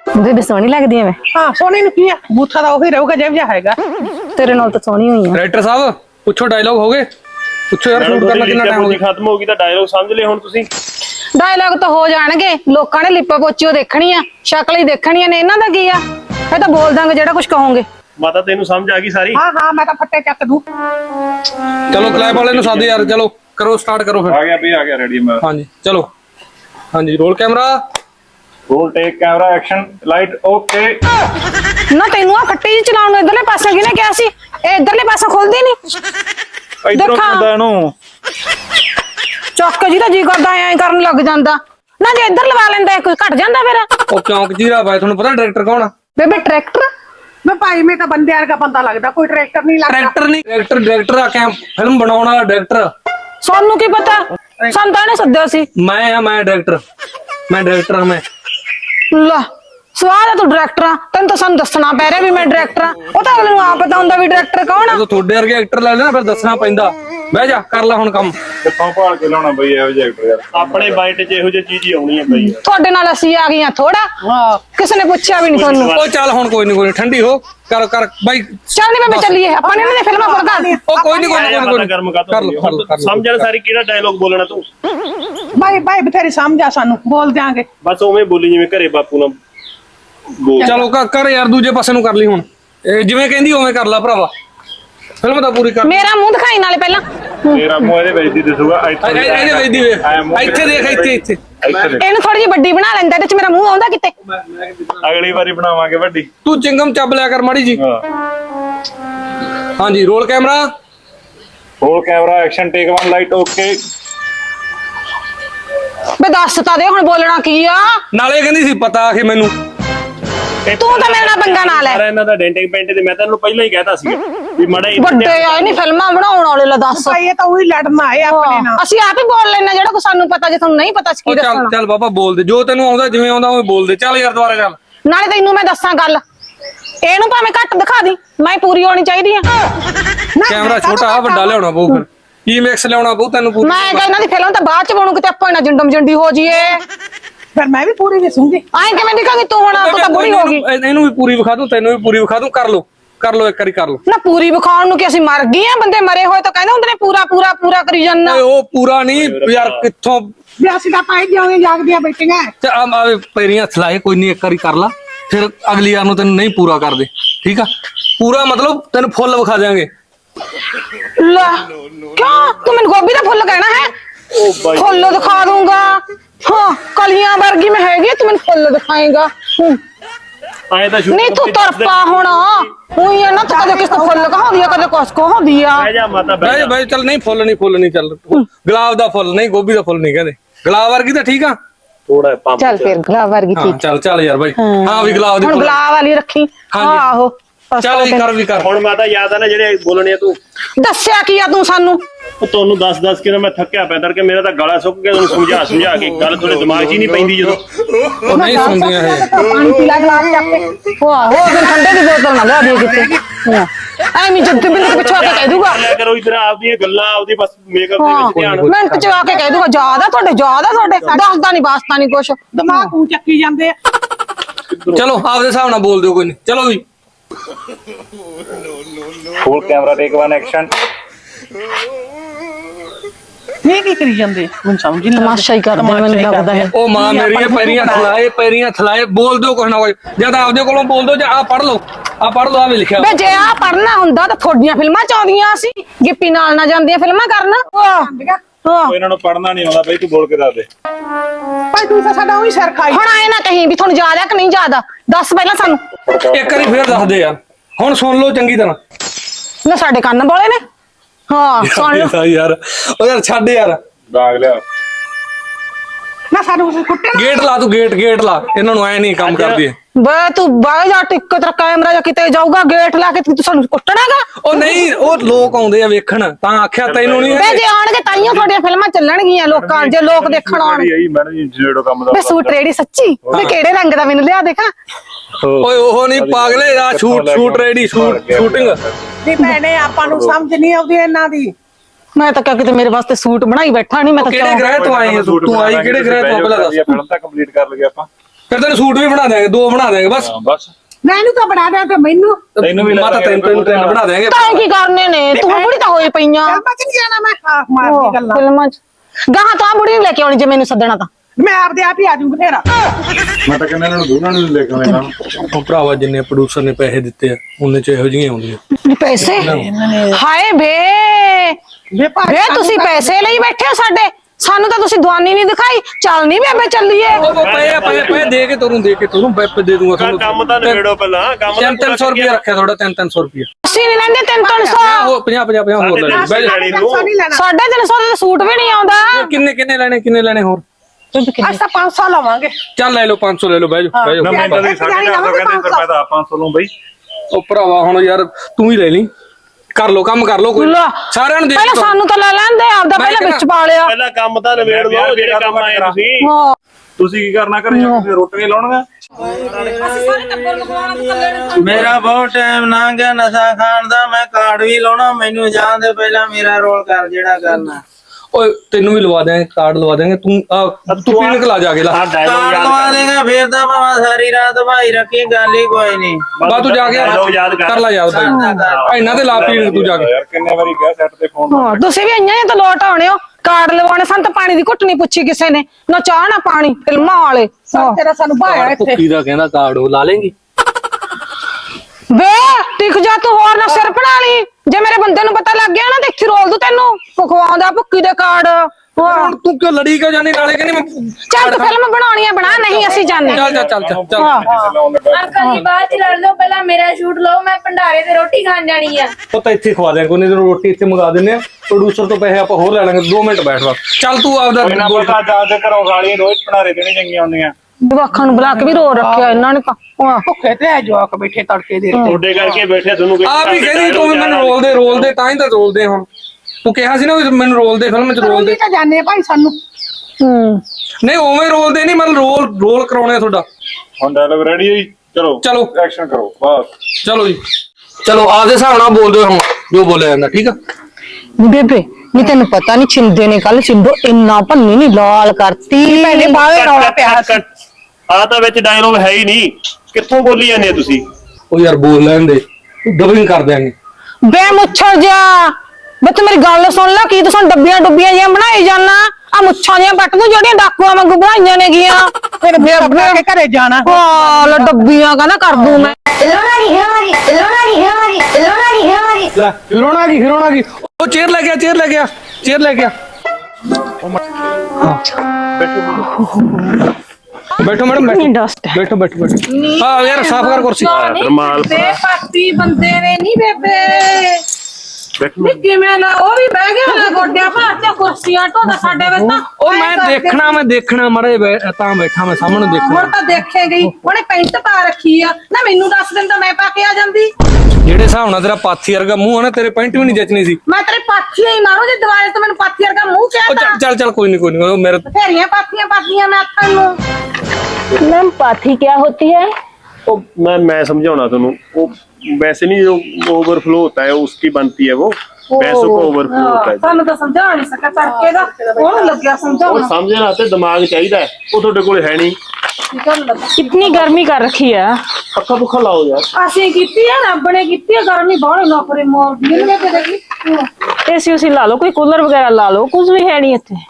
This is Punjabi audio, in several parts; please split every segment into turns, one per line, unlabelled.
ਬੇਬੇ ਸੋਹਣੀ ਲੱਗਦੀ ਐ ਮੈਂ।
ਹਾਂ ਸੋਹਣੀ ਨੂੰ ਕੀ ਆ, ਬੂਥਾ ਦਾ ਉਹੀ ਰਹੂਗਾ ਜਿਹਾ ਹੈਗਾ।
ਤੇਰੇ ਨਾਲ ਤਾਂ ਸੋਹਣੀ ਹੋਈ ਆ।
ਡਾਇਰੈਕਟਰ ਸਾਹਿਬ ਪੁੱਛੋ ਡਾਇਲੌਗ ਹੋ ਗਏ? ਪੁੱਛੋ ਯਾਰ ਸ਼ੂਟ ਕਰਨਾ ਕਿੰਨਾ ਟਾਈਮ ਹੋ ਗਿਆ?
ਖਤਮ ਹੋ ਗਈ ਤਾਂ ਡਾਇਲੌਗ ਸਮਝ ਲਿਓ ਹੁਣ ਤੁਸੀਂ।
ਡਾਇਲੌਗ ਤਾਂ ਹੋ ਜਾਣਗੇ, ਲੋਕਾਂ ਨੇ ਲਿਪਾ ਪੋਚੀਓ ਦੇਖਣੀ ਆ, ਸ਼ਕਲ ਹੀ ਦੇਖਣੀਆਂ ਨੇ, ਇਹਨਾਂ ਦਾ ਕੀ ਆ? ਇਹ ਤਾਂ ਬੋਲ ਦਾਂਗੇ ਜਿਹੜਾ ਕੁਝ ਕਹੋਗੇ।
ਮਾਤਾ ਤੈਨੂੰ ਸਮਝ ਆ ਗਈ ਸਾਰੀ?
ਹਾਂ ਹਾਂ ਮੈਂ ਤਾਂ ਫੱਟੇ ਚੱਕ ਦੂੰ।
ਚਲੋ ਕਲੈਪ ਵਾਲੇ ਨੂੰ ਸਾਦੇ ਯਾਰ, ਚਲੋ ਕਰੋ ਸਟਾਰਟ ਕਰੋ ਫਿਰ।
ਆ ਗਿਆ ਵੀ ਆ ਗਿਆ ਰੈਡੀ ਮੈਂ।
ਹਾਂਜੀ ਚਲੋ, ਹਾਂਜੀ roll camera,
roll take camera action light okay.
ਨਾ ਤੈਨੂੰ ਆ ਫੱਟੀ ਜਿਹੀ ਚਲਾਉਣ ਨੂੰ ਇਧਰਲੇ ਪਾਸੇ ਕਿਹਨੇ ਕਿਹਾ ਸੀ? ਇਹ ਇਧਰਲੇ ਪਾਸੇ ਖੁੱਲਦੀ ਨਹੀਂ।
ਇਧਰੋਂ
ਦੇਖਾਂ।
ਹੁੰਦਾ ਇਹਨੂੰ
ਚੱਕ ਜੀ ਤਾਂ ਜੀ ਕਰਦਾ ਐਂ ਕਰਨ ਲੱਗ ਜਾਂਦਾ ਨਾ। ਜੇ ਇੱਧਰ ਲਵਾ ਲੈਂਦਾ ਕੋਈ ਘਟ ਜਾਂਦਾ ਫਿਰ।
ਉਹ ਚੌਂਕ ਜੀਰਾ ਬਾਈ, ਤੁਹਾਨੂੰ ਪਤਾ ਡਾਇਰੈਕਟਰ ਕੌਣ ਆ?
ਬੇਬੇ ਟਰੈਕਟਰ
ਮੈਂ ਭਾਈ ਮੈਂ ਤਾਂ ਬੰਦੇ ਵਰਗਾ ਬੰਦਾ ਲੱਗਦਾ, ਕੋਈ ਟਰੈਕਟਰ ਨਹੀਂ ਲੱਗਦਾ।
ਡਾਇਰੈਕਟਰ ਨਹੀਂ, ਡਾਇਰੈਕਟਰ ਆ ਕੈਮ ਫਿਲਮ ਬਣਾਉਣ ਵਾਲਾ ਡਾਇਰੈਕਟਰ।
ਸਾਨੂੰ ਕੀ ਪਤਾ, ਸਾਨੂੰ ਤਾਂ ਇਹਨੇ ਸੱਦਿਆ ਸੀ।
ਮੈਂ ਡਾਇਰੈਕਟਰ, ਮੈਂ ਡਾਇਰੈਕਟਰ ਆ ਮੈਂ।
ਲਾ ਸਵਾਲ ਹੈ, ਤੂੰ ਡਾਇਰੈਕਟਰ ਆ, ਤੈਨੂੰ ਤਾਂ ਸਾਨੂੰ ਦੱਸਣਾ ਪੈ ਰਿਹਾ ਵੀ ਮੈਂ ਡਾਇਰੈਕਟਰ ਆ। ਉਹ ਤਾਂ ਅਗਲੇ ਨੂੰ ਆਪ ਪਤਾ ਹੁੰਦਾ ਵੀ ਡਾਇਰੈਕਟਰ ਕੌਣ ਆ।
ਜਦੋਂ ਤੁਹਾਡੇ ਵਰਗੇ ਐਕਟਰ ਲੈ ਲੈਣਾ ਫਿਰ ਦੱਸਣਾ ਪੈਂਦਾ। ਬਹਿ ਜਾ ਕਰ ਲੈ ਹੁਣ ਕੰਮ।
ਕਿੱਥੋਂ ਭਾਲ ਕੇ ਲਾਉਣਾ ਬਈ ਇਹੋ ਜਿਹੇ ਐਕਟਰ ਯਾਰ। ਆਪਣੇ ਬਾਈਟ 'ਚ ਇਹੋ ਜਿਹੀ ਚੀਜ਼ ਹੀ ਆਉਣੀ ਹੈ ਬਈ।
ਤੁਹਾਡੇ ਨਾਲ ਅਸੀਂ ਆ ਗਈਆਂ ਥੋੜਾ, ਕਿਸੇ ਨੇ ਪੁੱਛਿਆ ਵੀ ਨਹੀਂ ਤੁਹਾਨੂੰ।
ਉਹ ਚੱਲ ਹੁਣ ਕੋਈ ਨਹੀਂ ਠੰਡੀ ਹੋ, ਕਰ ਬਾਈ।
ਚੱਲ ਨਹੀਂ ਬੇਬੇ ਚੱਲੀਏ ਆਪਾਂ ਨੇ ਇਹਨਾਂ ਦੀਆਂ ਫਿਲਮਾਂ ਫਰਕਾ ਦੀ।
ਉਹ ਕੋਈ ਨਹੀਂ
ਗਰਮ ਕਰ
ਕਰ ਲਓ।
ਸਮਝਣ ਸਾਰੀ ਕਿਹੜਾ ਡਾਇਲੌਗ ਬੋਲਣਾ ਤੂੰ?
ਭਾਈ ਬਥੇਰੀ ਸਮਝ ਆ, ਸਾਨੂੰ ਬੋਲ ਦਿਆਂਗੇ।
ਬਸ ਉਵੇਂ ਬੋਲੀ ਜਿਵੇਂ ਘਰੇ ਬਾਪੂ ਨਾਲ ਬੋਲ।
ਚਲੋ ਕਰ ਯਾਰ, ਦੂਜੇ ਪਾਸੇ ਨੂੰ ਕਰ ਲਈ ਹੁਣ। ਇਹ ਜਿਵੇਂ ਕਹਿੰਦੀ ਉਵੇਂ ਕਰ ਲੈ ਭਰਾਵਾ, ਫਿਲਮ ਤਾਂ ਪੂਰੀ ਕਰ।
ਮੇਰਾ ਮੂੰਹ ਦਿਖਾਈ ਨਾਲੇ ਪਹਿਲਾਂ।
ਤੇਰਾ ਮੂੰਹ ਇਹਦੇ ਵਿੱਚ ਦੀ ਦਿਸੂਗਾ।
ਇਹਦੇ ਵਿੱਚ ਦੀ ਵੇ, ਇੱਥੇ ਦੇਖ, ਇੱਥੇ
ਇਹਨੂੰ ਥੋੜੀ ਜਿਹੀ ਵੱਡੀ ਬਣਾ ਲੈਂਦਾ, ਇਹਦੇ ਚ ਮੇਰਾ ਮੂੰਹ ਆਉਂਦਾ ਕਿਤੇ।
ਅਗਲੀ ਵਾਰੀ ਬਣਾਵਾਂਗੇ ਵੱਡੀ।
ਤੂੰ ਚਿੰਗਮ ਚੱਬ ਲਿਆ ਕਰ ਮਾੜੀ ਜੀ। ਹਾਂਜੀ roll camera,
roll camera action take 1 light okay.
ਬੇ ਦੱਸ ਤਾਂ ਦੇ ਹੁਣ ਬੋਲਣਾ ਕੀ ਆ।
ਨਾਲੇ ਕਹਿੰਦੀ ਸੀ ਪਤਾ ਕਿ ਮੈਨੂੰ
ਤੂੰ ਤਾਂ ਮੇਰੇ ਨਾਲ ਪੰਗਾ ਨਾ ਲੈ।
ਇਹਨਾਂ ਦਾ ਡੈਂਟਿੰਗ ਪੈਂਟ ਤੇ ਮੈਂ ਤੈਨੂੰ ਪਹਿਲਾਂ ਹੀ ਕਹਿਤਾ ਸੀ ਵੀ ਮੜਾ
ਵੱਡੇ ਆਏ ਨਹੀਂ ਫਿਲਮਾਂ ਬਣਾਉਣ ਵਾਲੇ, ਲਾ ਦੱਸ।
ਭਾਈ ਇਹ ਤਾਂ ਉਹੀ ਲੜਨ ਆਏ ਆਪਣੇ ਨਾਲ।
ਅਸੀਂ ਆਪ ਹੀ ਬੋਲ ਲੈਣਾ ਜਿਹੜਾ ਕੋ ਸਾਨੂੰ ਪਤਾ, ਜੇ ਤੁਹਾਨੂੰ ਨਹੀਂ ਪਤਾ ਕੀ ਦੱਸਣਾ।
ਚੱਲ ਬਾਬਾ ਬੋਲ ਦੇ, ਜੋ ਤੈਨੂੰ ਆਉਂਦਾ ਜਿਵੇਂ ਆਉਂਦਾ ਉਵੇਂ ਬੋਲ ਦੇ। ਚੱਲ ਯਾਰ ਦੁਬਾਰਾ ਚੱਲ।
ਨਾਲੇ ਤੈਨੂੰ ਮੈਂ ਦੱਸਾਂ ਗੱਲ, ਇਹਨੂੰ ਭਾਵੇਂ ਘੱਟ ਦਿਖਾ ਦੀ, ਮੈਂ ਪੂਰੀ ਹੋਣੀ ਚਾਹੀਦੀ ਆ।
ਕੈਮਰਾ ਛੋਟਾ ਵੱਡਾ ਲਿਆਉਣਾ ਪਊ, ਫਿਰ ਕੀ ਮਿਕਸ ਲਿਆਉਣਾ ਪਊ ਤੈਨੂੰ ਪੂਰੀ।
ਮੈਂ ਕਹਿੰਦਾ ਦੀ ਫਿਲਮ ਤਾਂ ਬਾਅਦ ਚ ਬਣੂ, ਕਿਤੇ ਆਪਾਂ ਨਾ ਜੰਡਮ ਜੰਡੀ ਹੋ ਜੀਏ।
ਫਿਰ ਮੈਂ ਵੀ ਪੂਰੀ ਦਿਸੂੰਗੀ।
ਐਂ ਕਿਵੇਂ ਦਿਖਾਂਗੀ ਤੂੰ? ਹੁਣ ਤੂੰ ਤਾਂ ਬੁੜੀ ਹੋ ਗਈ।
ਇਹਨੂੰ ਵੀ ਪੂਰੀ ਵਿਖਾ ਦੂੰ, ਤੈਨੂੰ ਵੀ ਪੂਰੀ ਵਿਖਾ ਦੂੰ। ਕਰ ਲੋ ਇੱਕ ਵਾਰੀ ਕਰ ਲੋ
ਨਾ। ਪੂਰੀ ਵਿਖਾਉਣ ਨੂੰ ਕਿ ਅਸੀਂ ਮਰ ਗਏ ਆ? ਬੰਦੇ ਮਰੇ ਹੋਏ ਤਾਂ ਕਹਿੰਦੇ ਹੁੰਦੇ ਨੇ ਪੂਰਾ ਪੂਰਾ ਪੂਰਾ ਕਰੀ ਜਾਂਦਾ।
ਓਏ ਉਹ ਪੂਰਾ ਨਹੀਂ ਯਾਰ, ਕਿੱਥੋਂ
ਵੀ ਅਸੀਂ ਤਾਂ ਭਾਈ ਜਿਉਂ ਜਾਗਦੀਆਂ ਬੈਠੀਆਂ।
ਆਵੇ ਪੈਰੀਆਂ ਹੱਥ ਲਾਏ, ਕੋਈ ਨਹੀਂ ਇੱਕ ਵਾਰੀ ਕਰ ਲਾ, ਫਿਰ ਅਗਲੀ ਵਾਰ ਨੂੰ ਤੈਨੂੰ ਨਹੀਂ ਪੂਰਾ ਕਰਦੇ, ਠੀਕ ਆ? ਪੂਰਾ ਮਤਲਬ ਤੈਨੂੰ ਫੁੱਲ ਵਿਖਾ ਦਿਆਂਗੇ।
ਲੈ ਕਿਉਂ ਤੂੰ ਮੈਨੂੰ ਗੋਭੀ ਦਾ ਫੁੱਲ ਕਹਿਣਾ ਹੈ? ਫੁੱਲ ਦਿਖਾ ਦੂੰਗਾ। ਹਾਂ ਕਲੀਆਂ ਵਰਗੀ ਮੈਂ ਹੈਗੀ, ਤੂੰ ਮੈਨੂੰ ਫੁੱਲ ਦਿਖਾਏਗਾ?
ਆਏ ਤਾਂ
ਨਹੀਂ ਤੂੰ ਤਰਪਾ ਹੋਣਾ ਉਹੀ ਹੈ ਨਾ। ਤੂੰ ਕਦੇ ਕਿਸੇ ਫੁੱਲ ਕਹਾਉਂਦੀ ਆ, ਕਦੇ ਕੁਛ ਕਹਾਉਂਦੀ ਆ।
ਬਹਿ ਜਾ ਮਾਤਾ
ਬਾਈ ਬਾਈ ਚੱਲ। ਨਹੀਂ ਫੁੱਲ ਨਹੀਂ ਚੱਲ। ਗੁਲਾਬ ਦਾ ਫੁੱਲ ਨਹੀਂ, ਗੋਭੀ ਦਾ ਫੁੱਲ ਨਹੀਂ ਕਹਿੰਦੇ। ਗੁਲਾਬ ਵਰਗੀ ਤਾਂ ਠੀਕ ਆ।
ਥੋੜਾ ਪੰਪ
ਚੱਲ ਫਿਰ ਗੁਲਾਬ ਵਰਗੀ ਠੀਕ।
ਚੱਲ ਯਾਰ ਬਾਈ। ਹਾਂ ਵੀ ਗੁਲਾਬ ਦੀ
ਹੁਣ ਗੁਲਾਬ ਵਾਲੀ ਰੱਖੀ। ਆਹੋ
ਚੱਲ ਵੀ ਕਰ।
ਹੁਣ ਮਾਤਾ ਯਾਦ ਆ ਨਾ ਜਿਹੜੇ ਬੋਲਣੇ ਆ ਤੂੰ
ਦੱਸਿਆ ਕੀ ਆ ਤੂੰ ਸਾਨੂੰ?
ਤੁਹਾਨੂੰ ਦੱਸ ਕੇ ਮੈਂ ਥੱਕਿਆ ਪਿਆ ਤੜਕੇ, ਮੇਰਾ ਤਾਂ ਗਲਾ ਸੁੱਕ ਗਿਆ। ਤੁਹਾਨੂੰ ਸਮਝਾ ਕੇ ਗੱਲ ਤੁਹਾਡੇ ਦਿਮਾਗ 'ਚ ਹੀ ਨਹੀਂ ਪੈਂਦੀ ਜਦੋਂ।
ਉਹ ਨਹੀਂ ਸੁਣਦੀਆਂ ਇਹ।
ਪਾਣੀ ਪੀ ਲੈ ਗਲਾਸ ਚੱਕ ਕੇ। ਵਾਹ ਹੋ ਗਏ, ਠੰਡੇ ਦੀ ਬੋਤਲ ਨਾ ਲਿਆ ਦੇ ਕਿਤੇ। ਐਵੇਂ ਜੱਦ ਬਿੰਦ ਪਿੱਛੋਂ ਆ ਕੇ ਕਹਿ ਦੂਗਾ।
ਲਿਆ ਕਰੋ ਇਧਰ ਆਪਦੀਆਂ ਗੱਲਾਂ, ਆਪਦੀ ਬਸ ਮੇਕਅਪ ਦੇ ਵਿੱਚ ਧਿਆਨ।
ਮਿੰਟ ਚ ਆ ਕੇ ਕਹਿ ਦੂਗਾ ਜ਼ਿਆਦਾ ਤੁਹਾਡੇ ਦੱਸਦਾ ਨਹੀਂ ਵਾਸਤਾ ਨਹੀਂ ਕੁਛ।
ਦਿਮਾਗ ਨੂੰ ਚੱਕੀ ਜਾਂਦੇ ਆ।
ਚਲੋ ਆਪਦੇ ਹਿਸਾਬ ਨਾਲ ਬੋਲ ਦਿਓ, ਕੋਈ ਨਹੀਂ। ਚਲੋ ਵੀ
ਫੁੱਲ ਕੈਮਰਾ ਟੇਕ 1 ਐਕਸ਼ਨ।
ਇਹ ਕੀ ਕਰੀ ਜਾਂਦੇ ਮੈਨੂੰ ਸਮਝ ਨਹੀਂ
ਤਮਾਸ਼ਾ ਹੀ ਕਰਦੇ ਮੈਨੂੰ ਲੱਗਦਾ ਹੈ।
ਉਹ ਮਾਂ ਮੇਰੀ ਪੈਰੀਆਂ ਥਲਾਏ ਬੋਲ ਦਿਓ ਕੁਛ ਨਾ ਕੁਛ। ਜਦ ਆਪਦੇ ਕੋਲੋਂ ਬੋਲ ਦਿਓ, ਜਾਂ ਆ ਪੜ ਲਓ ਆ ਵੀ ਲਿਖਿਆ।
ਬੇ ਜੇ ਆ ਪੜਨਾ ਹੁੰਦਾ ਤਾਂ ਥੋੜੀਆਂ ਫਿਲਮਾਂ ਚ ਆਉਂਦੀਆਂ ਸੀ। ਗਿੱਪੀ ਨਾਲ ਨਾ ਜਾਂਦੀਆਂ ਫਿਲਮਾਂ ਕਰਨ।
ਇਹਨਾਂ ਨੂੰ ਪੜਨਾ ਨਹੀਂ ਆਉਂਦਾ ਬਈ, ਤੂੰ ਬੋਲ ਕੇ ਦੱਸ ਦੇ।
ਭਾਈ ਤੂੰ ਤਾਂ ਸਾਡਾ ਉਹੀ ਸਿਰ ਖਾਈ।
ਹੁਣ ਆਏ ਨਾ ਕਹੀਂ ਵੀ ਤੁਹਾਨੂੰ ਯਾਦ ਆ ਕਿ ਨਹੀਂ ਯਾਦ ਆ, ਦੱਸ ਪਹਿਲਾਂ ਸਾਨੂੰ।
ਇੱਕ ਵਾਰੀ ਫੇਰ ਦੱਸ ਦੇ ਯਾਰ, ਹੁਣ ਸੁਣ ਲਓ ਚੰਗੀ ਤਰ੍ਹਾਂ।
ਨਾ ਸਾਡੇ ਕੰਨ ਬੋਲੇ ਨੇ। ਹਾਂ ਸੁਣ ਲਓ
ਯਾਰ। ਉਹ ਯਾਰ ਛੱਡ ਯਾਰ,
ਦਾਗ ਲਿਆ
ਨਾ ਸਾਨੂੰ ਕੁੱਟੇ ਨਾ।
ਗੇਟ ਲਾ ਤੂੰ, ਗੇਟ ਲਾ। ਇਹਨਾਂ ਨੂੰ ਐ ਨਹੀਂ ਕੰਮ ਕਰਦੀ।
ਬੇ ਤੂੰ ਬਾਹਰ ਜਾ, ਟਿੱਕ ਤੇਰਾ ਕੈਮਰਾ ਜਾਂ ਕਿਤੇ ਜਾਊਗਾ, ਗੇਟ ਲਾ ਕੇ ਤੂੰ ਸਾਨੂੰ ਕੁੱਟਣਾਗਾ।
ਉਹ ਨਹੀਂ, ਉਹ ਲੋਕ ਆਉਂਦੇ ਆ ਵੇਖਣ, ਤਾਂ ਆਖਿਆ ਤੈਨੂੰ ਨਹੀਂ।
ਬੇ ਜੇ ਆਉਣਗੇ ਤਾਈਆਂ ਤੁਹਾਡੀਆਂ ਫਿਲਮਾਂ ਚੱਲਣਗੀਆਂ ਲੋਕਾਂ, ਜੇ ਲੋਕ ਦੇਖਣ ਆਉਣ।
ਮੈਡਮ ਜੀ ਜਿਹੜਾ ਕੰਮ ਦਾ
ਬੇ ਸੂਟ ਰੈਡੀ ਸੱਚੀ? ਬੇ ਕਿਹੜੇ ਰੰਗ ਦਾ ਮੈਨੂੰ ਲਿਆ ਦੇਖਾਂ।
ਓਏ ਉਹ ਨਹੀਂ ਪਾਗਲੇ, ਆ ਸ਼ੂਟ ਰੈਡੀ, ਸ਼ੂਟਿੰਗ।
ਨਹੀਂ ਭੈਣੇ ਆਪਾਂ ਨੂੰ ਸਮਝ ਨਹੀਂ ਆਉਂਦੀ ਇਹਨਾਂ ਦੀ।
ਮੈਂ ਤਾਂ ਕਿਤੇ ਮੇਰੇ ਵਾਸਤੇ ਸੂਟ ਬਣਾਈ ਬੈਠਾ ਨਹੀਂ। ਮੈਂ ਤਾਂ
ਕਿਹੜੇ ਗ੍ਰਹਿ ਤੋਂ ਆਈ ਹੈ ਤੂੰ? ਆਈ ਕਿਹੜੇ ਗ੍ਰਹਿ ਤੋਂ? ਪਹਿਲਾਂ ਦੱਸ।
ਫਿਲਮ ਤਾਂ ਕੰਪਲੀਟ ਕਰ ਲਗੇ ਆਪਾਂ।
ਫਿਰ ਤੈਨੂੰ ਸੂਟ ਵੀ ਬਣਾ ਦੇਾਂਗੇ, 2 ਬਣਾ ਦੇਾਂਗੇ ਬਸ।
ਬਸ
ਮੈਂ ਇਹਨੂੰ ਤਾਂ ਬਣਾ ਦਿਆਂ ਤੇ ਮੈਨੂੰ
ਤੈਨੂੰ ਵੀ
ਮਾਤਾ ਤੈਨੂੰ ਬਣਾ ਦੇਾਂਗੇ।
ਤਾਂ ਕੀ ਕਰਨੇ ਨੇ, ਤੂੰ ਬੁੜੀ ਤਾਂ ਹੋਈ ਪਈਆਂ
ਫਿਲਮਾਂ 'ਚ ਨਹੀਂ ਜਾਣਾ ਮੈਂ ਮਾਰਦੀ ਗੱਲਾਂ।
ਫਿਲਮਾਂ 'ਚ ਗਾਹਾਂ ਤਾਂ ਬੁੜੀ ਨੂੰ ਲੈ ਕੇ ਆਉਣੀ ਜੇ ਮੈਨੂੰ ਸੱਦਣਾ ਤਾਂ।
ਮੈਂ ਆਪਦੇ ਆਪ ਹੀ ਆ ਜੂੰਗਾ ਫੇਰ।
ਮੈਂ ਤਾਂ ਕਹਿੰਦਾ ਇਹਨਾਂ ਨੂੰ ਦੋਨਾਂ ਨੂੰ ਲੈ ਕੇ ਆਉਣਾ।
ਉਹ ਭਰਾਵਾ ਜਿੰਨੇ ਪ੍ਰੋਡਿਊਸਰ ਨੇ ਪੈਸੇ ਦਿੱਤੇ ਆ ਉਹਨੇ ਚ ਇਹੋ ਜਿਹੀਆਂ ਆਉਂਦੀਆਂ।
ਪੈਸੇ ਹਾਏ ਬੇ
ਵੇ ਭਾਈ
ਵੇ ਤੁਸੀਂ ਪੈਸੇ ਲਈ ਬੈਠੇ ਹੋ ਸਾਡੇ, ਸਾਨੂੰ ਤਾਂ ਤੁਸੀਂ ਦਵਾਨੀ ਨਹੀਂ ਦਿਖਾਈ। ਚੱਲ ਨਹੀਂ ਬੇਬੇ ਚੱਲੀਏ।
ਉਹ ਪਏ ਦੇ ਕੇ ਤੁਹਾਨੂੰ ਦੇ ਦੂੰਗਾ ਤੁਹਾਨੂੰ।
ਕੰਮ ਤਾਂ ਨਿਬੇੜੋ ਪਹਿਲਾਂ, ਕੰਮ ਤਾਂ
300 ਰੁਪਏ ਰੱਖਿਆ ਥੋੜਾ 300 ਰੁਪਏ।
ਅਸੀਂ ਨਹੀਂ ਲੈਂਦੇ 300
ਉਹ 50 ਹੋਰ ਲੈ ਲੈ ਬਹਿ ਜਾ।
ਨਹੀਂ ਲੈਣਾ।
350 ਦਾ ਸੂਟ ਵੀ ਨਹੀਂ ਆਉਂਦਾ।
ਕਿੰਨੇ ਲੈਣੇ ਹੋਰ?
ਅਸਾਂ 500 ਲਵਾਂਗੇ।
ਚੱਲ ਲੈ ਲਓ 500 ਲੈ ਲਓ, ਬਹਿ ਜਾ ਬਹਿ
ਨਾ
ਜਾ।
ਮੈਂ ਤਾਂ 450 ਕਹਿੰਦੇ ਫਿਰ ਮੈਂ ਤਾਂ 500 ਲਵਾਂ ਬਈ।
ਉਹ ਭਰਾਵਾ ਹੁਣ ਯਾਰ ਤੂੰ ਹੀ ਲੈ ਲਈ, ਕਰ ਲੋ ਕੰਮ ਕਰ ਲੋ ਕੋਈ,
ਲੈ।
ਸਾਰਿਆਂ ਨੂੰ ਦੇ
ਪਹਿਲਾਂ ਸਾਨੂੰ ਤਾਂ ਲੈ ਲੈਂਦੇ, ਆਪਦਾ ਪਹਿਲਾਂ ਵਿੱਚ ਪਾ ਲਿਆ।
ਪਹਿਲਾਂ ਕੰਮ ਤਾਂ ਨਿਬੇੜ ਲਓ ਜਿਹੜੇ ਕੰਮ ਆਏ ਤੁਸੀਂ।
ਹਾਂ
ਤੁਸੀਂ ਕੀ ਕਰਨਾ ਘਰੇ ਜਾ ਕੇ ਰੋਟੀਆਂ ਲਾਉਣੀਆਂ?
ਮੇਰਾ ਬਹੁਤ ਟਾਈਮ ਲੰਘ ਗਿਆ ਨਸ਼ਾ ਖਾਣ ਦਾ। ਮੈਂ ਕਾਰਡ ਵੀ ਲਾਉਣਾ, ਮੈਨੂੰ ਜਾਣ ਦੇ ਪਹਿਲਾਂ ਮੇਰਾ ਰੋਲ ਕਰ ਜਿਹੜਾ ਕਰਨਾ।
ਓਏ ਤੈਨੂੰ ਵੀ ਲਵਾ ਦਿਆਂਗੇ, ਕਾਰਡ ਲਵਾ ਦਿਆਂਗੇ। ਤੂੰ ਪੀਣ ਲਾ ਜਾ ਕੇ ਲਾ।
ਆਹ ਡਾਇਲੋਗ
ਕਾਰਡ
ਯਾਦ
ਲਵਾ
ਕਰ।
ਦੇਗਾ ਫੇਰ ਤਾਂ ਭਾਵੇਂ ਸਾਰੀ ਰਾਤ ਭਾਈ ਰੱਖੀ, ਗੱਲ ਹੀ ਕੋਈ ਨਹੀਂ।
ਬਾ ਤੂੰ ਜਾ ਕੇ
ਡਾਇਲੋਗ ਯਾਦ
ਕਰ ਲੈ ਯਾਦ ਭਾਈ ਇਹਨਾਂ ਤੇ ਲਾ ਪੀਣ ਤੂੰ ਜਾ ਕੇ।
ਯਾਰ ਕਿੰਨੇ ਵਾਰੀ ਕਿਹਾ ਸੈੱਟ ਤੇ ਫੋਨ
ਹਾਂ ਤੁਸੀਂ ਵੀ ਆਈਆਂ ਤਾਂ ਲੋਟ ਆਉਣੇ ਹੋ। ਕਾਰਡ ਲਵਾਉਣੇ ਸਾਨੂੰ ਤਾਂ ਪਾਣੀ ਦੀ ਘੁੱਟ ਨਹੀਂ ਪੁੱਛੀ ਕਿਸੇ ਨੇ, ਨਾ ਚਾਹ ਨਾ ਪਾਣੀ। ਫਿਲਮਾਂ ਵਾਲੇ
ਤੇਰਾ ਸਾਨੂੰ ਭਾਇਆ ਇੱਥੇ।
ਭੁੱਖੀ ਦਾ ਕਹਿੰਦਾ ਕਾਰਡ ਉਹ ਲਾ ਲੇਂਗੀ।
ਵੇ ਟਿਕ ਜਾ ਤੂੰ, ਹੋਰ ਨਾ ਸਿਰ ਬਣਾ ਲਈ। ਜੇ ਮੇਰੇ ਬੰਦੇ ਨੂੰ ਪਤਾ ਲੱਗ ਗਿਆ ਨਾ ਤੇ ਇੱਥੇ ਰੋਲ ਦੂ ਤੈਨੂੰ। ਖਵਾਉਂਦਾ ਭੁੱਕੀ ਦੇ ਕਾਰਡ।
ਹੁਣ ਤੂੰ ਕਿਉਂ ਲੜੀ ਕਿਉਂ ਜਾਨੀ? ਨਾਲੇ ਕਹਿੰਦੀ ਮੈਂ
ਚੱਲ ਤੂੰ ਫਿਲਮ ਬਣਾਉਣੀ ਆ ਬਣਾ, ਨਹੀਂ ਅਸੀਂ ਜਾਣੇ।
ਚੱਲ
ਅੰਕਲ ਜੀ ਬਾਅਦ ਚ ਲੜ ਲਓ, ਪਹਿਲਾਂ ਮੇਰਾ ਸ਼ੂਟ ਲਓ। ਮੈਂ ਭੰਡਾਰੇ ਤੇ ਰੋਟੀ ਖਾਣ ਜਾਣੀ ਆ।
ਉਹ ਤਾਂ ਇੱਥੇ ਖਵਾ ਦਿਆਂ ਕੋਈ ਨਹੀਂ, ਰੋਟੀ ਇੱਥੇ ਮੰਗਾ ਦਿੰਨੇ ਆ। ਪ੍ਰੋਡਿਊਸਰ ਤੋਂ ਪੈਸੇ ਆਪਾਂ ਹੋਰ ਲੈ ਲਾਂਗੇ। 2 ਮਿੰਟ ਬੈਠ ਬਸ। ਚੱਲ ਤੂੰ ਆਪਦਾ
ਇਹਨਾਂ
ਬੋਲ।
ਪਤਾ ਜਾ ਕੇ ਘਰੋਂ ਗਾਲੀਆਂ ਰੋਜ਼ ਭੰਡਾਰੇ ਦੇਣੀ ਚੰਗੀਆਂ ਹੁੰਦੀਆਂ।
ਜਵਾਖਾਂ ਨੂੰ ਬੁਲਾ ਕੇ ਵੀ ਰੋ ਰੱਖਿਆ ਇਹਨਾਂ ਨੇ ਤਾਂ।
ਭੁੱਖੇ ਤੇ ਆ ਜਵਾਕ ਬੈਠੇ ਤੜਕੇ ਦੇ।
ਤੁਹਾਡੇ ਕਰਕੇ ਬੈਠੇ ਤੁਹਾਨੂੰ
ਆਪ ਹੀ ਕਹਿੰਦੀ ਤੂੰ ਵੀ ਮੈਨੂੰ ਰੋਲ ਦੇ ਤਾਂ ਹੀ ਤਾਂ ਰੋਲ ਦੇ। ਹੁਣ ਤੂੰ ਕਿਹਾ ਸੀ ਨਾ ਵੀ ਮੈਨੂੰ ਰੋਲ ਦੇ, ਫਿਲਮ 'ਚ ਰੋਲ ਦੇ।
ਤਾਂ ਜਾਣੇ ਭਾਈ ਸਾਨੂੰ।
ਨਹੀਂ ਉਵੇਂ ਰੋਲ ਦੇ ਨਹੀਂ, ਮਤਲਬ ਰੋਲ ਕਰਾਉਣੇ ਆ ਤੁਹਾਡਾ।
ਹੁਣ ਡਾਇਲੌਗ ਰੈਡੀ ਹੋਈ? ਚਲੋ ਐਕਸ਼ਨ ਕਰੋ ਬਸ।
ਚਲੋ ਜੀ ਚਲੋ ਆਪਦੇ ਹਿਸਾਬ ਨਾਲ ਬੋਲਦੇ ਹੁਣ ਜੋ ਬੋਲਿਆ ਜਾਂਦਾ, ਠੀਕ ਆ?
ਬੇਬੇ ਨਹੀਂ ਤੈਨੂੰ ਪਤਾ ਨਹੀਂ, ਛਿੰਦੇ ਨੇ ਕੱਲ ਸਿੰਦੋ ਇੰਨਾ ਭੰਨੀ ਨਹੀਂ ਲਾਲ ਕਰਤੀ।
ਪਹਿਲੇ ਬਾਹਰ ਰੌਲਾ ਪਿਆ ਸੀ।
ਆ ਤਾਂ ਵਿੱਚ ਡਾਇਲੋਗ ਹੈ ਹੀ ਨਹੀਂ, ਕਿੱਥੋਂ ਬੋਲੀ ਜਾਂਦੇ ਆ ਤੁਸੀਂ?
ਉਹ ਯਾਰ ਬੋਲ ਲੈਣ ਦੇ, ਡਬਲਿੰਗ ਕਰ ਦਿਆਂਗੇ।
ਬੇ ਮੁੱਛਰ ਜਾ, ਬੇ ਤੂੰ ਮੇਰੀ ਗੱਲ ਸੁਣ ਲੈ। ਕੀ ਤੂੰ ਡੱਬੀਆਂ ਜਿਹੀਆਂ ਬਣਾਈ ਜਾਣਾ? ਆ ਮੁੱਛਾਂ ਜਿਹੀਆਂ ਪੱਟ ਤੂੰ ਜਿਹੜੀਆਂ ਡਾਕੂਆਂ ਵਾਂਗੂ ਬਣਾਈਆਂ ਨੇ ਗੀਆਂ।
ਫਿਰ ਬਣਾ ਕੇ ਘਰੇ ਜਾਣਾ।
ਹਾਲ ਡੱਬੀਆਂ ਕਹਿੰਦਾ ਕਰ ਦੂੰ ਮੈਂ।
ਲੈ ਹੀਰੋਣਾ ਕੀ ਉਹ ਚੇਅਰ ਲੈ ਗਿਆ। ਬੈਠੋ ਮੈਡਮ ਬੈਠੋ। ਹਾਂ ਯਾਰ ਸਾਫ਼ ਕਰ ਕੁਰਸੀ।
ਰਮਾਲ
ਪਾਪੀ ਬੰਦੇ ਨੇ ਨਹੀਂ ਬੇਬੇ। ਨੀ ਕਿਵੇਂ ਨਾ ਉਹ ਵੀ ਬਹਿ ਗਿਆ ਗੋਡਿਆਂ ਭਾਰ ਤੇ ਕੁਰਸੀਆਂ ਢੋਦਾ ਸਾਡੇ ਵਿੱਚ ਤਾਂ।
ਉਹ ਮੈਂ ਦੇਖਣਾ ਮੜੇ ਤਾਂ ਬੈਠਾ ਮੈਂ ਸਾਹਮਣੇ ਦੇਖਣਾ।
ਹੁਣ ਤਾਂ ਦੇਖੇ ਗਈ ਉਹਨੇ ਪੈਂਟ ਪਾ ਰੱਖੀ ਆ ਨਾ। ਮੈਨੂੰ ਦੱਸ ਦਿੰਦਾ ਮੈਂ ਪਾ ਕੇ ਆ ਜਾਂਦੀ।
ਜਿਹੜੇ ਹਿਸਾਬ ਨਾਲ ਤੇਰਾ ਪਾਥੀ ਵਰਗਾ ਮੂੰਹ ਆ ਨਾ, ਤੇਰੇ ਪੈਂਟ ਵੀ ਨਹੀਂ ਜੱਚਣੀ ਸੀ।
ਮੈਂ ਤੇਰੇ ਪਾਥੀਆਂ ਹੀ ਮਾਰੂ ਜੇ ਦਿਵਾਲੇ ਤੋਂ ਮੈਨੂੰ ਪਾਥੀ ਵਰਗਾ ਮੂੰਹ
ਉਹ
ਕਹਿਤਾ।
ਚੱਲ ਕੋਈ ਨਹੀਂ ਉਹ ਮੇਰੇ
ਫੇਰੀਆਂ ਪਾਥੀਆਂ ਪਾਥੀਆਂ ਮੈਂ ਅੱਖਾਂ ਨੂੰ।
मैम पाथी क्या होती है?
ਉਹ मैं समझाना ਤੁਹਾਨੂੰ। ਉਹ वैसे नहीं जो ओवरफ्लो होता है उसकी बनती है वो, पैसों को ओवरफ्लो होता है।
ਸਾਨੂੰ ਤਾਂ ਸਮਝਾ ਨਹੀਂ ਸਕਿਆ ਤੜਕੇ ਦਾ। ਉਹਨੂੰ ਲੱਗਿਆ
ਉਹ
ਸਮਝਾਉਣਾ।
ਸਮਝਣਾ ਤੇ ਦਿਮਾਗ ਚਾਹੀਦਾ ਹੈ, ਉਹ ਤੁਹਾਡੇ ਕੋਲ ਹੈ ਨਹੀਂ।
कितनी गर्मी कर रखी है।
ਪੱਖਾ ਪੁੱਖਾ ਲਾਓ ਯਾਰ।
ਅਸੀਂ ਕੀਤੀ ਆ ਰੱਬ ਨੇ ਕੀਤੀ ਆ ਗਰਮੀ ਬਹੁਤ ਨੌਕਰੀ ਮੋਰ ਦੀ ਨੇ ਤੇ ਦੇਖੀ।
एसी उसी ला लो, कोई कूलर वगैरह ला लो, कुछ भी है नहीं इत्थे।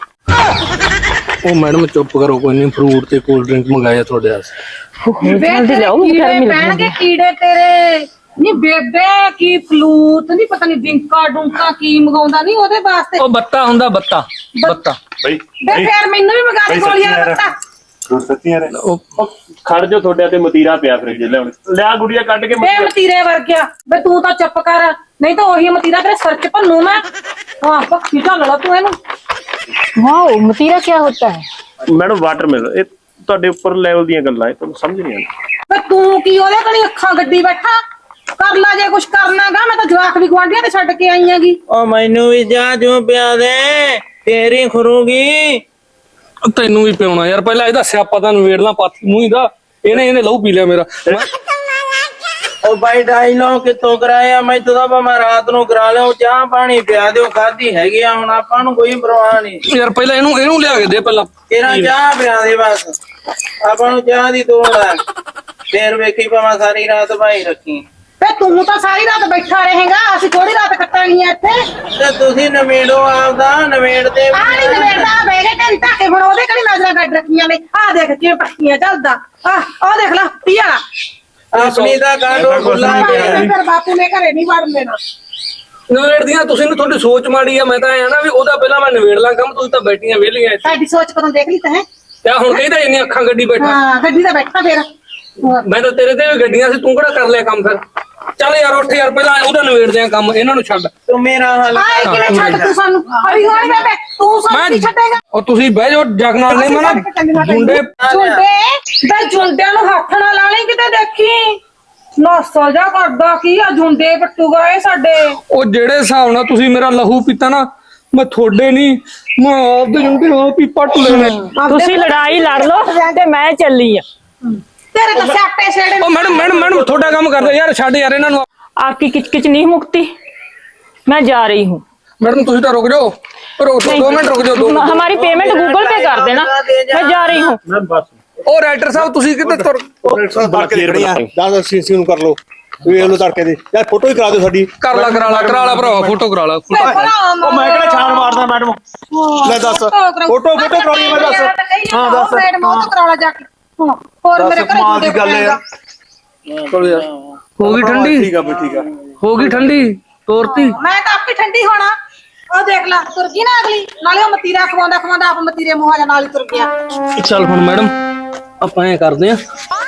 ਉਹ ਮੈਡਮ ਚੁੱਪ ਕਰੋ, ਕੋਈ ਨਹੀਂ ਫਰੂਟ ਤੇ ਕੋਲਡ ਡਰਿੰਕ ਮੰਗਾਇਆ ਤੁਹਾਡੇ ਵਾਸਤੇ।
जल्दी लाओ, मुझे गर्मी लग रही
ਪੈਣਗੇ
है।
ਕੀੜੇ ਤੇਰੇ। ਨੀ ਬੇਬੇ ਕੀ ਫਲੂਤ ਨਹੀਂ ਪਤਾ ਨਹੀਂ ਡਿੰਕਾ ਡੁੰਕਾ ਕੀ ਮੰਗਾਉਂਦਾ ਨਹੀਂ ਉਹਦੇ ਵਾਸਤੇ।
ਉਹ ਬੱਤਾ ਹੁੰਦਾ ਬੱਤਾ।
ਬਈ
ਬੇ ਫੇਰ ਮੈਨੂੰ ਵੀ ਮੰਗਾ ਦੇ ਗੋਲੀਆਂ ਦਾ ਪੱਤਾ।
ਸੱਚੀ ਯਾਰ
ਖੜ ਜਾ, ਤੁਹਾਡੇ ਤੇ ਮਤੀਰਾ ਪਿਆ ਫ੍ਰਿਜ ਲਿਆਉਣ। ਲਿਆ ਗੁੜੀਆ ਕੱਢ ਕੇ
ਬੇ ਮਤੀਰੇ ਵਰਗਿਆ। ਬੇ ਤੂੰ ਤਾਂ ਚੁੱਪ ਕਰ, ਨਹੀਂ ਤਾਂ ਉਹੀ ਮਤੀਰਾ ਤੇਰੇ ਸਿਰ 'ਚ ਭੰਨੂ ਮੈਂ। ਹਾਂ ਪੱਕੀ ਢੱਲ ਲਾ ਤੂੰ ਇਹਨੂੰ।
वाओ, मतीरा क्या होता है?
ਮੈਡਮ ਵਾਟਰ ਮਿਲ, ਇਹ ਤੁਹਾਡੇ ਉੱਪਰ ਲੈਵਲ ਦੀਆਂ ਗੱਲਾਂ ਹੈ, ਤੁਹਾਨੂੰ ਸਮਝ ਨਹੀਂ ਆਉਂਦੀ।
ਬੇ ਤੂੰ ਕੀ ਉਹਦੇ ਕਣੀ ਅੱਖਾਂ ਗੱਡੀ ਬੈਠਾ? ਕਰ ਲਾ ਜੇ ਕੁਛ ਕਰਨਾਗਾ। ਮੈਂ ਤਾਂ ਜਵਾਕ ਵੀ ਗੁਆਂਢੀਆਂ ਤੇ ਛੱਡ ਕੇ ਆਈ ਆਂਗੀ।
ਉਹ ਮੈਨੂੰ ਵੀ ਜਾ ਜੂ ਪਿਆ ਦੇ, ਤੇਰੀ ਖਰੂਗੀ।
ਤੈਨੂੰ ਵੀ ਪਿਉਣਾ ਯਾਰ, ਪਹਿਲਾਂ ਇਹਦਾ ਸਿਆਪਾ ਤਾਂ ਨਵੇੜਨਾ ਪਾਥੀ ਮੂੰਹ ਦਾ। ਇਹਨੇ ਲਹੂ ਪੀ ਲਿਆ ਮੇਰਾ।
ਉਹ ਬਾਈ ਡਾਇਲੋਗ ਕਿੱਥੋਂ ਕਰਾਇਆ? ਮੈਂ ਤਾਂ ਭਾਵੇਂ ਰਾਤ ਨੂੰ ਕਰਾ ਲਿਓ। ਚਾਹ ਪਾਣੀ ਪਿਆ ਦਿਓ, ਖਾਧੀ ਹੈਗੀ ਆ ਹੁਣ, ਆਪਾਂ ਨੂੰ ਕੋਈ ਪਰਵਾਹ ਨਹੀਂ।
ਯਾਰ ਪਹਿਲਾਂ ਇਹਨੂੰ ਲਿਆ ਕੇ ਦੇ ਪਹਿਲਾਂ।
ਤੇਰਾ ਚਾਹ ਪਿਆ ਦੇ ਬਸ। ਆਪਾਂ ਨੂੰ ਚਾਹ ਦੀ ਤੋੜ ਆ ਫੇਰ ਵੇਖੀ ਭਾਵੇਂ ਸਾਰੀ ਰਾਤ ਭਾਈ ਰੱਖੀ
ਵੇ ਤੂੰ ਤਾਂ ਸਾਰੀ ਰਾਤ ਬੈਠਾ ਰਹੇਗਾ ਅਸੀਂ ਥੋੜੀ ਰਾਤ ਕੱਟਾਂਗੀਆਂ ਇੱਥੇ
ਤੇ ਤੁਸੀਂ ਨਵੇੜੋ ਆਪਦਾ ਨਵੇੜ ਤੇ
ਆ ਨਹੀਂ ਨਵੇੜਦਾ ਬੈਗੇ ਤੇਰੀ ਧਾਕੇ ਹੁਣ ਉਹਦੇ ਕਿਹੜੀ ਨਜ਼ਰਾਂ ਕੱਢ ਰੱਖੀਆਂ ਨੇ ਆ ਦੇਖ ਕਿਵੇਂ ਪੱਕੀਆਂ ਚੱਲਦਾ ਆ ਦੇਖ ਲੈ ਪੀਆ
ਆਪਣੀ ਦਾ ਕਾਂਡੋ ਖੁੱਲਾ
ਫਿਰ ਬਾਪੂ ਨੇ ਘਰੇ ਨਹੀਂ ਵੜਨ ਦੇਣਾ
ਨਵੇੜਦੀਆਂ ਤੁਸੀਂ ਨੂੰ ਤੁਹਾਡੀ ਸੋਚ ਮਾੜੀ ਆ ਮੈਂ ਤਾਂ ਐ ਨਾ ਵੀ ਉਹਦਾ ਪਹਿਲਾਂ ਮੈਂ ਨਵੇੜ ਲਾਂ ਕੰਮ ਤੁਸੀਂ ਤਾਂ ਬੈਠੀਆਂ ਵਿਹਲੀਆਂ ਇੱਥੇ
ਸਾਡੀ ਸੋਚ ਕਦੋਂ ਦੇਖ ਲਈ ਤੈਂ
ਤੇ ਹੁਣ ਕਹਿੰਦਾ ਇੰਨੀ ਅੱਖਾਂ ਗੱਡੀ ਬੈਠਾ
ਹਾਂ ਗੱਡੀ ਤੇ ਬੈਠਾ ਫੇਰ
ਮੈਂ ਤਾਂ ਤੇਰੇ ਤੇ ਵੀ ਗੱਡੀਆਂ ਸੀ ਤੂੰ ਕਿਹੜਾ ਕਰ ਲਿਆ ਕੰਮ ਫਿਰ ਚੱਲ ਯਾਰ ਉੱਠ ਯਾਰ ਪਹਿਲਾਂ ਉਹਦਾ ਨਵੇੜਦੇ ਆ ਕੰਮ ਇਹਨਾਂ ਨੂੰ ਛੱਡ
ਤੂੰ ਮੇਰਾ ਹੱਲ
ਆਏ ਕਿਵੇਂ ਛੱਡ ਤੂੰ ਸਾਨੂੰ ਹਰੀ ਹੋਣੀ ਬੇਬੇ ਤੂੰ ਸਾਨੂੰ ਨਹੀਂ ਛੱਡੇਗਾ
ਉਹ ਤੁਸੀਂ ਬਹਿ ਜਾਓ ਜਗ ਨਾਲ ਨਹੀਂ ਮੈਂ ਨਾ ਜੁੰਡੇ
ਬੇ ਜੁੰਡਿਆਂ ਨੂੰ ਹੱਥ ਨਾਲ ਲਾ ਲਈ ਕਿਤੇ ਦੇਖੀ ਨਸਾ ਜਾ ਕਰਦਾ ਕੀ ਆ ਜੁੰਡੇ ਪੱਟੂਗਾ ਇਹ ਸਾਡੇ
ਉਹ ਜਿਹੜੇ ਹਿਸਾਬ ਨਾਲ ਤੁਸੀਂ ਮੇਰਾ ਲਹੂ ਪੀਤਾ ਨਾ ਮੈਂ ਤੁਹਾਡੇ ਨਹੀਂ ਮੈਂ ਆਪਦੇ ਜੁੰਡੇ ਆਪ ਹੀ ਪੱਟ ਲੈਣੇ
ਤੁਸੀਂ ਲੜਾਈ ਲੜ ਲਓ ਤੇ ਮੈਂ ਚੱਲੀ ਆ
ਤੇਰੇ ਤਾਂ ਸਿਆਪੇ ਛੇੜੇ
ਉਹ ਮੈਡਮ ਤੁਹਾਡਾ ਕੰਮ ਕਰਦੇ ਯਾਰ ਛੱਡ ਯਾਰ ਇਹਨਾਂ ਨੂੰ
आपकी किचकिच नहीं मुकती मैं जा रही हूँ
मैडम ਤੁਸੀਂ ਤਾਂ ਰੁਕ ਜਾਓ ਰੁਕ 2 ਮਿੰਟ ਰੁਕ ਜਾਓ
हमारी पेमेंट गूगल पे कर देना मैं जा रही हूँ
ਮੈਂ ਬਸ
ਉਹ ਰਾਈਟਰ ਸਾਹਿਬ ਤੁਸੀਂ ਕਿੱਥੇ ਤੁਰ
ਦੱਸ ਸੀਸੀ ਨੂੰ ਕਰ ਲਓ ਵੇਖ ਲਓ ਤੜਕੇ ਦੀ ਯਾਰ ਫੋਟੋ ਹੀ ਕਰਾ ਦਿਓ ਸਾਡੀ
ਕਰਾ ਲਾ ਭਰਾਵਾ ਫੋਟੋ ਕਰਾ ਲਾ
ਉਹ ਮੈਂ ਕਿਹੜਾ ਛਾਣ ਮਾਰਦਾ ਮੈਡਮ ਲੈ ਦੱਸ ਫੋਟੋ ਕਰਾਉਣੀ ਮੈਂ ਦੱਸ
ਹਾਂ ਦੱਸ ਮੈਡਮ ਉਹ ਤਾਂ ਕਰਾਉਣਾ ਜਾ ਕੇ ਹੋਰ ਮੇਰੇ ਘਰੇ
ਕਮਾਲ ਦੀ ਗੱਲ ਹੈ ਯਾਰ
ਚਲੋ ਯਾਰ ਹੋ ਗਈ ਠੰਡੀ
ਠੀਕ ਆ ਬਈ ਠੀਕ ਆ
ਹੋ ਗਈ ਠੰਡੀ ਤੋਰਤੀ
ਮੈਂ ਤਾਂ ਆਪੇ ਠੰਡੀ ਹੋਣਾ ਉਹ ਦੇਖ ਲੈ ਤੁਰ ਗਈ ਨਾ ਅਗਲੀ ਨਾਲੇ ਉਹ ਮਤੀਰਾ ਖਵਾਉਂਦਾ ਆਪ ਮਤੀਰੇ ਮੂੰਹਾਂ ਦੇ ਨਾਲ ਹੀ ਤੁਰ ਗਿਆ
ਚੱਲ ਹੁਣ ਮੈਡਮ ਆਪਾਂ ਐ ਕਰਦੇ ਆ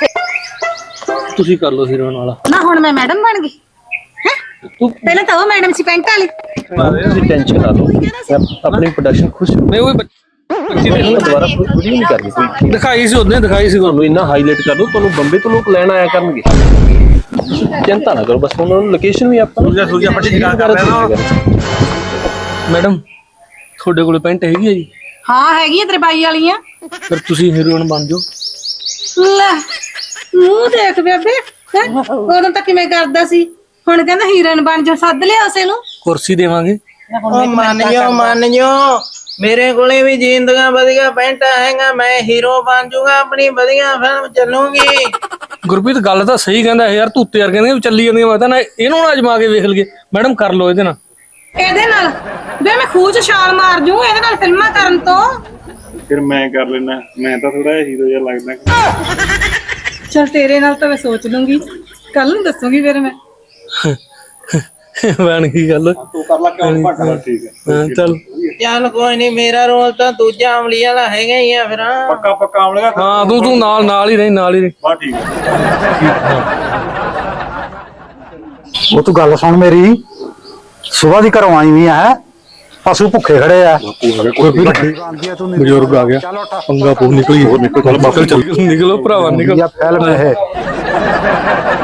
ਤੁਸੀਂ ਕਰ ਲਓ ਹੀਰੋ ਨਾਲ
ਨਾ ਹੁਣ ਮੈਂ ਮੈਡਮ ਬਣ ਗਈ ਹੈ ਪਹਿਲਾਂ ਤਾਂ ਉਹ ਮੈਡਮ ਸੀ ਪੈਂਟ ਵਾਲੀ
ਤੁਸੀਂ ਟੈਨਸ਼ਨ ਨਾ ਲਓ ਆਪਣੀ ਪ੍ਰੋਡਕਸ਼ਨ ਖੁਸ਼
ਨਹੀਂ ਉਹ ਬੱਚੀ ਦੇ
ਦੁਬਾਰਾ ਵੀਡੀਓ ਨਹੀਂ ਕਰਨੀ ਕੋਈ
ਦਿਖਾਈ ਸੀ ਉਹਨੇ ਦਿਖਾਈ ਸੀ
ਤੁਹਾਨੂੰ ਇੰਨਾ ਹਾਈਲਾਈਟ ਕਰ ਦੋ ਤੁਹਾਨੂੰ ਬੰਬੇ ਤੋਂ ਲੋਕ ਲੈਣ ਆਇਆ ਕਰਨਗੇ ਚਿੰਤਾ ਨਾ ਕਰੋ ਬਸ ਉਹਨਾਂ ਨੂੰ ਲੋਕੇਸ਼ਨ ਵੀ ਆਪਾਂ
ਕਰ ਰਹੇ ਹਾਂ
ਮੈਡਮ ਤੁਹਾਡੇ ਕੋਲ ਪੈਂਟ ਹੈਗੀ ਹੈ ਜੀ
ਹਾਂ ਹੈਗੀਆਂ ਤੇਰੇ ਬਾਈ ਵਾਲੀਆਂ
ਫਿਰ ਤੁਸੀਂ ਹੀਰੋਇਨ ਬਣ ਜਾਓ
ਲੈ ਮੂੰਹ ਦੇਖ ਬੇਬੇ ਹੈਂ? ਉਦੋਂ ਤਾਂ ਕਿਵੇਂ ਕਰਦਾ ਸੀ ਹੁਣ ਕਹਿੰਦਾ ਹੀਰਨ ਬਣ ਜਾ ਸੱਦ ਲਿਆ ਉਸੇ ਨੂੰ
ਕੁਰਸੀ ਦੇਵਾਂਗੇ
ਉਹ ਮੰਨ ਜੋ ਮੇਰੇ ਕੋਲੇ ਵੀ ਜਿੰਦਗਾ ਵਧੀਆ ਪੈਂਟਾ ਹੈਗਾ ਮੈਂ ਹੀਰੋ ਬਣ ਜਾਊਗਾ ਆਪਣੀ ਵਧੀਆ ਫਿਲਮ ਚੱਲੂਗੀ
ਗੁਰਪ੍ਰੀਤ ਗੱਲ ਤਾਂ ਸਹੀ ਕਹਿੰਦਾ ਯਾਰ ਤੂਤੇ ਯਾਰ ਕਹਿੰਦੇ ਚੱਲੀ ਜਾਂਦੀਆਂ ਮੈਂ ਤਾਂ ਨਾ ਇਹਨੂੰ ਨਾ ਅਜਮਾ ਕੇ ਵੇਖ ਲਈਏ ਮੈਡਮ ਕਰ ਲਓ ਇਹਦੇ ਨਾਲ
ਇਹਦੇ ਨਾਲ ਬੇ ਮੈਂ ਖੂਹ ਚ ਛਾਲ ਮਾਰ ਜੂ ਇਹਦੇ ਨਾਲ ਫਿਲਮਾਂ ਕਰਨ ਤੋਂ
ਫਿਰ ਮੈਂ ਕਰ ਲੈਣਾ ਮੈਂ ਤਾਂ ਥੋੜਾ ਹੀਰੋ ਜਿਹਾ ਲੱਗਦਾ
ਚਲ ਤੇਰੇ ਨਾਲ ਤਾਂ ਮੈਂ ਸੋਚ ਲੂੰਗੀ ਕੱਲ ਨੂੰ ਦੱਸੂਗੀ ਫਿਰ ਮੈਂ
ਬਣ ਗਈ ਗੱਲ
ਤੂੰ ਕਰ ਲੈ ਕੰਮ ਘੱਟ ਠੀਕ ਹੈ
ਹਾਂ ਚੱਲ
ਚੱਲ ਕੋਈ ਨਹੀਂ ਮੇਰਾ ਰੋਲ ਤਾਂ ਦੂਜਾ ਅਮਲੀ ਵਾਲਾ ਹੈਗਾ ਹੀ ਆ ਫਿਰ
ਪੱਕਾ ਆਮਲੇਗਾ
ਹਾਂ ਤੂੰ ਨਾਲ ਹੀ ਰਹੀ
ਬਾ ਠੀਕ ਹੈ
ਉਹ ਤੂੰ ਗੱਲ ਸੁਣ ਮੇਰੀ ਸੁਬਾਹ ਦੀ ਘਰੋਂ ਆਈ ਵੀ ਹੈ ਪਸ਼ੂ ਭੁੱਖੇ ਖੜੇ ਆ ਕੋਈ ਵੀ ਵੱਡੀ ਬਣਦੀ ਆ ਤੂੰ
ਬਜ਼ੁਰਗ ਆ ਗਿਆ ਪੰਗਾ ਪੂ ਨਿਕਲੀ ਹੋਰ ਨਿਕਲ ਚੱਲ ਨਿਕਲੋ ਭਰਾਵਾ ਨਿਕਲ
ਫਿਲਮ ਇਹ